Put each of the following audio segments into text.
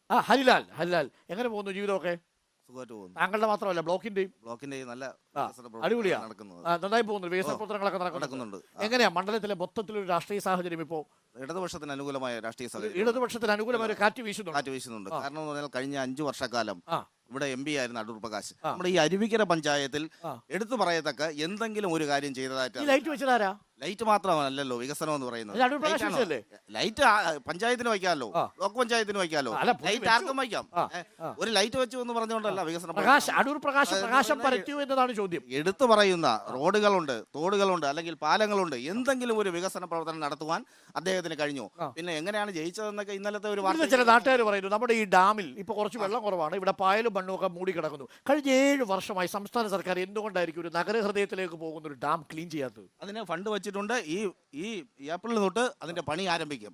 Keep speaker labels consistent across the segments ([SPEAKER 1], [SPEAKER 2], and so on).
[SPEAKER 1] ഹരിലാൽ, ഹരിലാൽ എങ്ങനെ പോകുന്നു ജീവിതമൊക്കെ?
[SPEAKER 2] സുഖമായിട്ട് പോകുന്നു.
[SPEAKER 1] താങ്കളുടെ മാത്രമല്ല ബ്ലോക്കിന്റെയും
[SPEAKER 2] നല്ല
[SPEAKER 1] അടിപൊളിയാ
[SPEAKER 2] നടക്കുന്നത്.
[SPEAKER 1] നന്നായി പോകുന്നു, വികസന പ്രവർത്തനങ്ങളൊക്കെ നടക്കുന്നുണ്ട്. എങ്ങനെയാ മണ്ഡലത്തിലെ മൊത്തത്തിലൊരു രാഷ്ട്രീയ സാഹചര്യം ഇപ്പോൾ?
[SPEAKER 2] ഇടതുപക്ഷത്തിന് അനുകൂലമായ രാഷ്ട്രീയ സാഹചര്യം,
[SPEAKER 1] ഇടതുപക്ഷത്തിന് അനുകൂലമായ ഒരു കാറ്റ് വീശുന്നുണ്ട്.
[SPEAKER 2] കാരണം എന്ന് പറഞ്ഞാൽ കഴിഞ്ഞ 5 വർഷക്കാലം ഇവിടെ MP ആയിരുന്ന അടൂർ പ്രകാശ് നമ്മുടെ ഈ അരുവിക്കര പഞ്ചായത്തിൽ എടുത്തു പറയത്തക്ക എന്തെങ്കിലും ഒരു കാര്യം ചെയ്തതായിട്ട്.
[SPEAKER 1] ലൈറ്റ് വെച്ചതാരാ?
[SPEAKER 2] ലൈറ്റ് മാത്രമല്ലല്ലോ വികസനം എന്ന് പറയുന്നത്. ലൈറ്റ് പഞ്ചായത്തിന് വയ്ക്കാമല്ലോ, ബ്ലോക്ക് പഞ്ചായത്തിന് വയ്ക്കാമല്ലോ, ലൈറ്റ് ആർക്കും വയ്ക്കാം. ഒരു ലൈറ്റ് വെച്ചു എന്ന് പറഞ്ഞുകൊണ്ടല്ല വികസനം.
[SPEAKER 1] അടൂർ പ്രകാശ് പ്രകാശം പരത്തിയോ എന്നതാണ് ചോദ്യം.
[SPEAKER 2] എടുത്തു പറയുന്ന റോഡുകളുണ്ട്, തോടുകളുണ്ട്, അല്ലെങ്കിൽ പാലങ്ങളുണ്ട്, എന്തെങ്കിലും ഒരു വികസന പ്രവർത്തനം നടത്തുവാൻ അദ്ദേഹത്തിന് കഴിഞ്ഞു. പിന്നെ എങ്ങനെയാണ് ജയിച്ചതെന്നൊക്കെ ഇന്നലത്തെ ഒരു വാർത്ത
[SPEAKER 1] ചില നാട്ടുകാർ പറയുന്നു. നമ്മുടെ ഈ ഡാമിൽ ഇപ്പൊ കുറച്ച് വെള്ളം കുറവാണ്, ഇവിടെ പായലും മണ്ണും ഒക്കെ മൂടി കിടക്കുന്നു. കഴിഞ്ഞ 7 വർഷമായി സംസ്ഥാന സർക്കാർ എന്തുകൊണ്ടായിരിക്കും ഒരു നഗരഹൃദയത്തിലേക്ക് പോകുന്ന ഒരു ഡാം ക്ലീൻ ചെയ്യാത്തത്?
[SPEAKER 2] അതിന് ഫണ്ട് വെച്ചിട്ടുണ്ട്. ഈ ഏപ്രിൽ തൊട്ട് അതിന്റെ പണി ആരംഭിക്കും.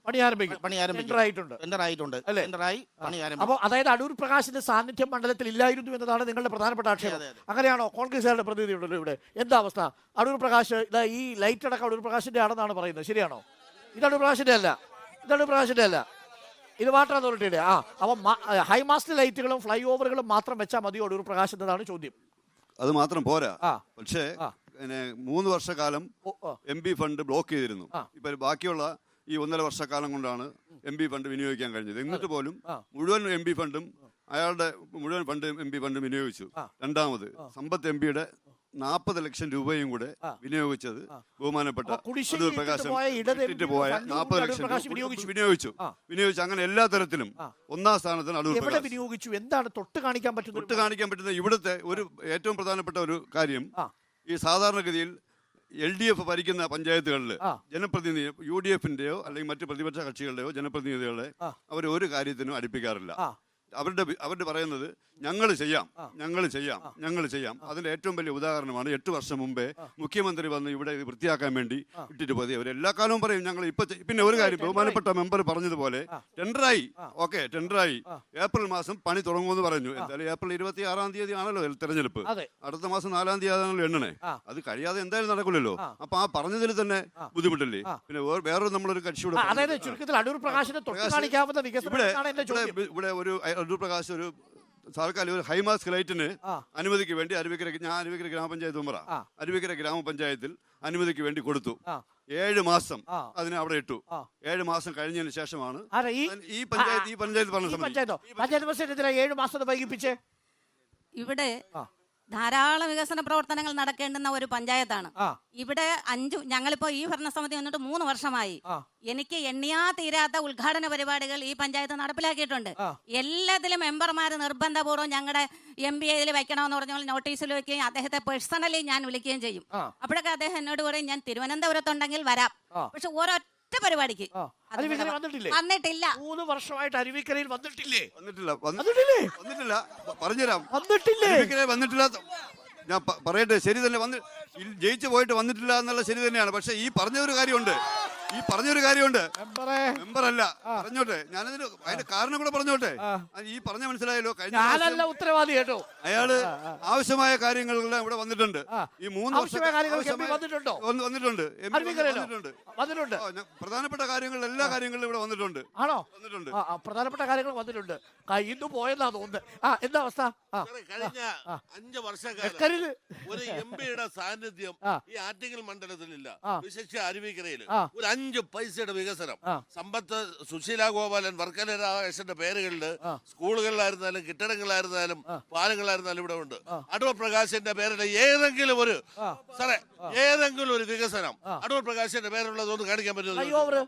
[SPEAKER 1] അപ്പോൾ അതായത് അടൂർ പ്രകാശിന്റെ സാന്നിധ്യം മണ്ഡലത്തിൽ ഇല്ലായിരുന്നു എന്നതാണ് നിങ്ങളുടെ പ്രധാനപ്പെട്ട ആക്ഷേപം. അങ്ങനെയാണോ? കോൺഗ്രസുകാരുടെ പ്രതിനിധി ഉണ്ടല്ലോ ഇവിടെ. എന്താ അവസ്ഥ? അടൂർ പ്രകാശ് ഇതാ ഈ ലൈറ്റ് അടക്കം അടൂർ പ്രകാശിന്റെ ആണെന്നാണ് പറയുന്നത്, ശരിയാണോ? ഇത് അടൂർ പ്രകാശിന്റെ അല്ല, ഇത് വാട്ടർ അതോറിറ്റിയുടെ. അപ്പം ഹൈമാസ്റ്റ് ലൈറ്റുകളും ഫ്ലൈ ഓവറുകളും മാത്രം വെച്ചാൽ മതിയോ അടൂർ പ്രകാശ് എന്നതാണ് ചോദ്യം.
[SPEAKER 3] അത് മാത്രം പോരാ. പക്ഷേ 3 വർഷക്കാലം MP ഫണ്ട് ബ്ലോക്ക് ചെയ്തിരുന്നു. ഇപ്പൊ ബാക്കിയുള്ള ഈ 1.5 വർഷക്കാലം കൊണ്ടാണ് MP ഫണ്ട് വിനിയോഗിക്കാൻ കഴിഞ്ഞത്. എന്നിട്ട് പോലും മുഴുവൻ MP ഫണ്ടും അയാളുടെ മുഴുവൻ MP ഫണ്ടും വിനിയോഗിച്ചു. രണ്ടാമത് സമ്പത്ത് MPയുടെ 40 ലക്ഷം രൂപയും കൂടെ വിനിയോഗിച്ചത് ബഹുമാനപ്പെട്ട അടൂർ പ്രകാശ് പോയ 40 ലക്ഷം വിനിയോഗിച്ചു. അങ്ങനെ എല്ലാ തരത്തിലും 1ാം സ്ഥാനത്തിന് അടൂർ പ്രകാശ്
[SPEAKER 1] വിനിയോഗിച്ചു. എന്താണ് തൊട്ട് കാണിക്കാൻ
[SPEAKER 3] പറ്റുന്ന ഇവിടുത്തെ ഒരു ഏറ്റവും പ്രധാനപ്പെട്ട ഒരു കാര്യം, ഈ സാധാരണഗതിയിൽ LDF ഭരിക്കുന്ന പഞ്ചായത്തുകളിൽ ജനപ്രതിനിധി UDFന്റെയോ അല്ലെങ്കിൽ മറ്റു പ്രതിപക്ഷ കക്ഷികളുടെയോ ജനപ്രതിനിധികളെ അവർ ഒരു കാര്യത്തിനും അടുപ്പിക്കാറില്ല. അവരുടെ പറയുന്നത് ഞങ്ങൾ ചെയ്യാം. അതിന്റെ ഏറ്റവും വലിയ ഉദാഹരണമാണ് 8 വർഷം മുമ്പേ മുഖ്യമന്ത്രി വന്ന് ഇവിടെ വൃത്തിയാക്കാൻ വേണ്ടി ഇട്ടിട്ട് പോയി. അവർ എല്ലാ കാലവും പറയും ഞങ്ങൾ ഇപ്പൊ. പിന്നെ ഒരു കാര്യം ബഹുമാനപ്പെട്ട മെമ്പർ പറഞ്ഞതുപോലെ ടെൻഡറായി ഏപ്രിൽ മാസം പണി തുടങ്ങുമെന്ന് പറഞ്ഞു. എന്തായാലും ഏപ്രിൽ 26-ാം തീയതി ആണല്ലോ തെരഞ്ഞെടുപ്പ്. അടുത്ത മാസം 4-ാം തീയതി ആണല്ലോ എണ്ണണേ. അത് കഴിയാതെ എന്തായാലും നടക്കില്ലല്ലോ. അപ്പൊ ആ പറഞ്ഞതിൽ തന്നെ ബുദ്ധിമുട്ടില്ലേ? പിന്നെ വേറൊരു നമ്മളൊരു കക്ഷിയുടെ ഇവിടെ ഒരു അടൂർ പ്രകാശ് ഒരു സർക്കാർ ഒരു ഹൈമാസ്ക് ലൈറ്റിന് അനുമതിക്ക് വേണ്ടി അരുവിക്കര ഗ്രാമപഞ്ചായത്ത് മെമ്പറ അരുവിക്കര ഗ്രാമപഞ്ചായത്തിൽ അനുമതിക്ക് വേണ്ടി കൊടുത്തു. 7 മാസം അതിനെ അവിടെ ഇട്ടു. 7 മാസം കഴിഞ്ഞതിന് ശേഷമാണ് ഈ പഞ്ചായത്ത്
[SPEAKER 4] പറഞ്ഞത്. ഇവിടെ ധാരാളം വികസന പ്രവർത്തനങ്ങൾ നടക്കേണ്ടുന്ന ഒരു പഞ്ചായത്താണ്. ഇവിടെ ഞങ്ങളിപ്പോ ഈ ഭരണസമിതി വന്നിട്ട് 3 വർഷമായി. എനിക്ക് എണ്ണിയാ തീരാത്ത ഉദ്ഘാടന പരിപാടികൾ ഈ പഞ്ചായത്ത് നടപ്പിലാക്കിയിട്ടുണ്ട്. എല്ലാത്തിലും മെമ്പർമാർ നിർബന്ധപൂർവ്വം ഞങ്ങളുടെ MP ഇതിൽ വെക്കണമെന്ന് പറഞ്ഞാൽ നോട്ടീസിൽ വെക്കുകയും അദ്ദേഹത്തെ പേഴ്സണലി ഞാൻ വിളിക്കുകയും ചെയ്യും. അപ്പോഴൊക്കെ അദ്ദേഹം എന്നോട് പറയും ഞാൻ തിരുവനന്തപുരത്തുണ്ടെങ്കിൽ വരാം. പക്ഷെ ഒരൊറ്റ പരിപാടിക്ക് വന്നിട്ടില്ല.
[SPEAKER 1] 3 വർഷമായിട്ട് അരുവിക്കരയിൽ വന്നിട്ടില്ലേ?
[SPEAKER 3] വന്നിട്ടില്ല. ഞാൻ പറയട്ടെ, ശരി തന്നെ, ജയിച്ചു പോയിട്ട് വന്നിട്ടില്ല എന്നുള്ള ശരി തന്നെയാണ്. പക്ഷെ ഈ പറഞ്ഞൊരു കാര്യമുണ്ട്. മെമ്പറല്ല പറഞ്ഞോട്ടെ, ഞാനതിന് അതിന്റെ കാരണം കൂടെ പറഞ്ഞോട്ടെ. ഈ പറഞ്ഞ മനസ്സിലായല്ലോ. കഴിഞ്ഞ
[SPEAKER 1] ഉത്തരവാദി കേട്ടോ,
[SPEAKER 3] അയാള് ആവശ്യമായ കാര്യങ്ങളെല്ലാം ഇവിടെ വന്നിട്ടുണ്ട്. ഈ 3 വർഷം വന്നിട്ടുണ്ട്. പ്രധാനപ്പെട്ട കാര്യങ്ങൾ എല്ലാ കാര്യങ്ങളും ഇവിടെ വന്നിട്ടുണ്ട്.
[SPEAKER 1] പ്രധാനപ്പെട്ട കാര്യങ്ങൾ വന്നിട്ടുണ്ട്. ഇന്ന് പോയെന്നാ തോന്നുന്നത്. എന്താ അവസ്ഥ?
[SPEAKER 5] കഴിഞ്ഞ 5 വർഷക്കാലം ഒരു MPയുടെ സാന്നിധ്യം ഈ ആറ്റിങ്ങൽ മണ്ഡലത്തിലില്ല. വിശേഷിച്ച് അരുവിക്കരയിൽ ഒരു 5 പൈസയുടെ വികസനം. സമ്പത്ത്, സുശീല ഗോപാലൻ, വർക്കല രാമകൃഷ്ണന്റെ പേരുകളിൽ സ്കൂളുകളിലായിരുന്നാലും കെട്ടിടങ്ങളായിരുന്നാലും പാലങ്ങളായിരുന്നാലും ഇവിടെ ഉണ്ട്. അടൂർ പ്രകാശിന്റെ പേരിൽ ഏതെങ്കിലും ഒരു വികസനം അടൂർ പ്രകാശിന്റെ പേരുള്ളതൊന്ന് കാണിക്കാൻ പറ്റുമോ?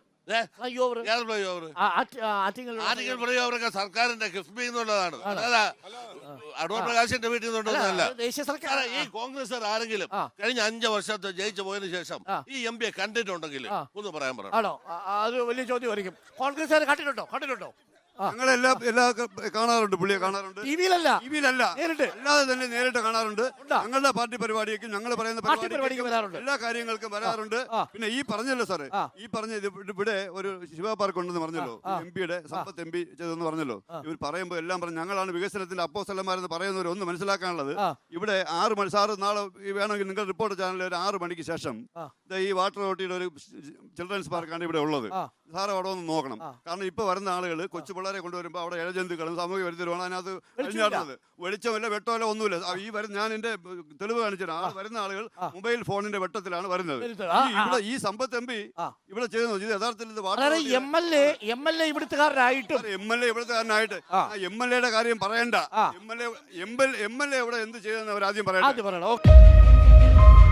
[SPEAKER 5] ആറ്റിങ്ങൽ സർക്കാരിന്റെ കിഫ്ബി എന്നുള്ളതാണ്. അടൂർ പ്രകാശിന്റെ വീട്ടിൽ നിന്നുള്ളതല്ല. ഈ കോൺഗ്രസ് ആരെങ്കിലും കഴിഞ്ഞ 5 വർഷത്തെ ജയിച്ചു പോയതിനു ശേഷം ഈ MP കണ്ടിട്ടുണ്ടെങ്കിൽ ഒന്ന് പറയാൻ പറയാം.
[SPEAKER 1] അത് വലിയ ചോദ്യമായിരിക്കും. കോൺഗ്രസ് കണ്ടിട്ടുണ്ടോ?
[SPEAKER 3] ഞങ്ങളെല്ലാ കാണാറുണ്ട്, പുള്ളിയെ കാണാറുണ്ട്. ടിവിയിലല്ല, അല്ലാതെ തന്നെ നേരിട്ട് കാണാറുണ്ട്. ഞങ്ങളുടെ പാർട്ടി പരിപാടിക്കും ഞങ്ങൾ പറയുന്ന പരിപാടിക്കും എല്ലാ കാര്യങ്ങൾക്കും വരാറുണ്ട്. പിന്നെ ഈ പറഞ്ഞല്ലോ സാറേ, ഈ പറഞ്ഞ ഇവിടെ ഒരു ശിവ പാർക്ക് ഉണ്ടെന്ന് പറഞ്ഞല്ലോ, MPയുടെ സമ്പത്ത് MP ചെയ്തെന്ന് പറഞ്ഞല്ലോ. ഇവർ പറയുമ്പോൾ എല്ലാം പറഞ്ഞു ഞങ്ങളാണ് വികസനത്തിന്റെ അപ്പോസ്തലന്മാരെന്ന് പറയുന്നവർ ഒന്ന് മനസ്സിലാക്കാനുള്ളത്. ഇവിടെ 6 മണി, സാറ് നാളെ വേണമെങ്കിൽ നിങ്ങൾ റിപ്പോർട്ട് ചാനലിൽ ഒരു 6 മണിക്ക് ശേഷം ഈ വാട്ടർ അതോറിറ്റിയുടെ ഒരു ചിൽഡ്രൻസ് പാർക്കാണ് ഇവിടെ ഉള്ളത്. സാറ് അവിടെ ഒന്ന് നോക്കണം. കാരണം ഇപ്പൊ വരുന്ന ആളുകൾ കൊച്ചുപിള്ള പിള്ളേരെ കൊണ്ടുവരുമ്പോൾ അവിടെ ഇഴജന്തുക്കളും സാമൂഹ്യ വിരുദ്ധരുമാണ് അതിനകത്ത് അഴിഞ്ഞാടുന്നത്. വെളിച്ചമില്ല, വെട്ടമില്ല, ഒന്നുമില്ല. ഞാൻ എന്റെ തെളിവ് കാണിച്ചിട്ട് വരുന്ന ആളുകൾ മൊബൈൽ ഫോണിന്റെ വെട്ടത്തിലാണ് വരുന്നത്. ഇവിടെ ഈ സമ്പത്ത് എം പി ഇവിടെ ചെയ്യുന്നത് ഇത് യഥാർത്ഥത്തിൽ
[SPEAKER 1] MLA ഇവിടുത്തുകാരനായിട്ട്
[SPEAKER 3] MLA കാര്യം പറയണ്ട. MLA ഇവിടെ എന്ത് ചെയ്തെന്ന് അവർ ആദ്യം പറയണ്ട.